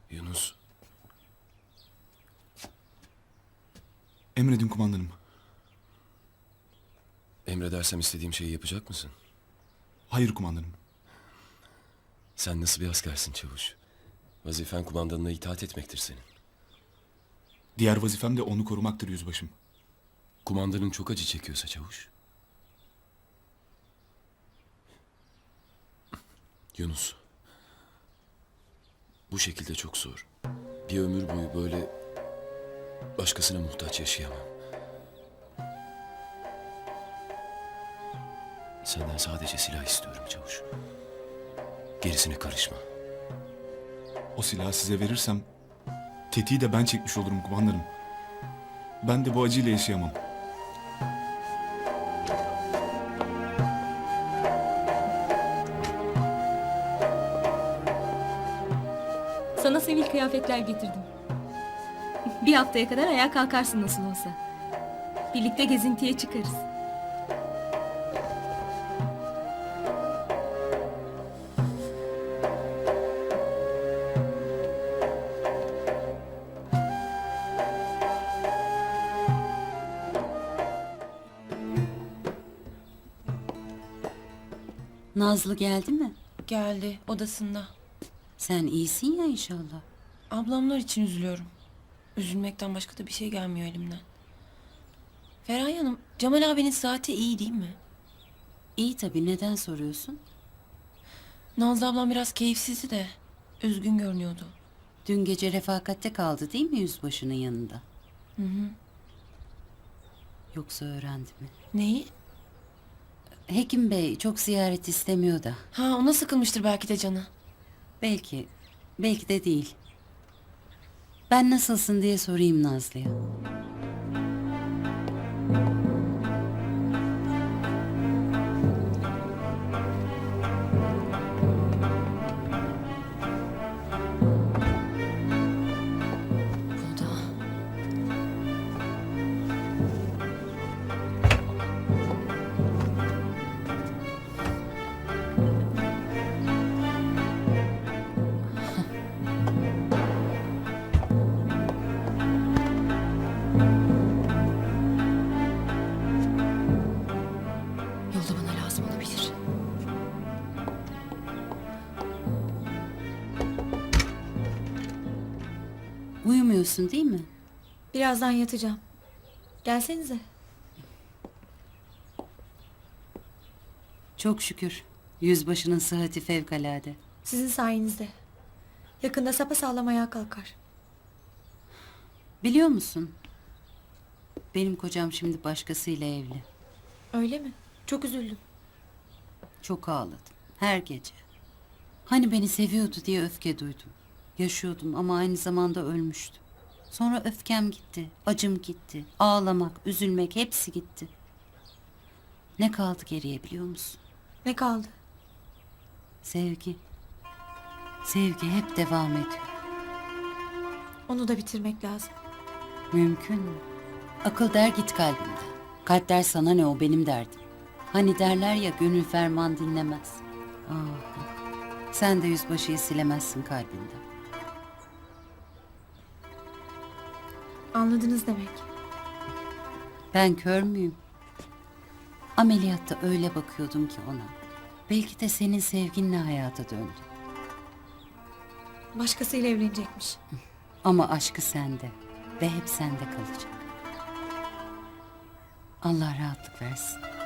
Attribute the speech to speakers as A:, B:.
A: Yunus,
B: Emredin kumandanım.
A: emredersem istediğim şeyi yapacak mısın?
B: Hayır kumandanım.
A: Sen nasıl bir askersin çavuş? Vazifen kumandanına itaat etmektir senin.
B: Diğer vazifem de onu korumaktır yüzbaşım.
A: Kumandanın çok acı çekiyorsa çavuş. Yunus, bu şekilde çok zor. Bir ömür boyu böyle başkasına muhtaç yaşayamam. Senden sadece silah istiyorum çavuş. Gerisine karışma.
B: O silahı size verirsem tetiği de ben çekmiş olurum kumandanım. Ben de bu acıyla yaşayamam.
C: Sana sivil kıyafetler getirdim. Bir haftaya kadar ayağa kalkarsın nasıl olsa. Birlikte gezintiye çıkarız.
D: Nazlı geldi mi?
E: Geldi odasında.
D: Sen iyisin ya inşallah.
E: Ablamlar için üzülüyorum. Üzülmekten başka da bir şey gelmiyor elimden. Feraye Hanım, Cemal abinin saati iyi değil mi?
D: İyi tabii, neden soruyorsun?
E: Nazlı ablam biraz keyifsizdi de üzgün görünüyordu.
D: Dün gece refakatte kaldı değil mi yüzbaşının yanında?
E: Hı hı.
D: Yoksa öğrendi mi?
E: Neyi?
D: Hekim bey çok ziyaret istemiyor da.
E: Ha, ona sıkılmıştır belki de canı.
D: Belki, belki de değil. Ben nasılsın diye sorayım Nazlı'ya.
E: Bu da. Yolda bana lazım olabilir.
D: Uyumuyorsun değil mi?
C: Birazdan yatacağım. Gelsenize.
D: Çok şükür. Yüzbaşının sıhhati fevkalade.
C: Sizin sayenizde. Yakında sapasağlam ayağa kalkar.
D: Biliyor musun? Benim kocam şimdi başkasıyla evli.
C: Öyle mi? Çok üzüldüm.
D: Çok ağladım. Her gece. Hani beni seviyordu diye öfke duydum. Yaşıyordum ama aynı zamanda ölmüştüm. Sonra öfkem gitti, acım gitti. Ağlamak, üzülmek hepsi gitti. Ne kaldı geriye biliyor musun?
C: Ne kaldı?
D: Sevgi. Sevgi hep devam ediyor.
C: Onu da bitirmek lazım.
D: Mümkün mü? Akıl der git kalbimden. Kalp der sana ne, o benim derdim. Hani derler ya, gönül ferman dinlemez. Ah, sen de yüzbaşıyı silemezsin kalbinden.
C: Anladınız demek.
D: Ben kör müyüm? Ameliyatta öyle bakıyordum ki ona. Belki de senin sevginle hayata döndü.
C: Başkasıyla evlenecekmiş.
D: Ama aşkı sende ve hep sende kalacak. Allah rahatlık versin.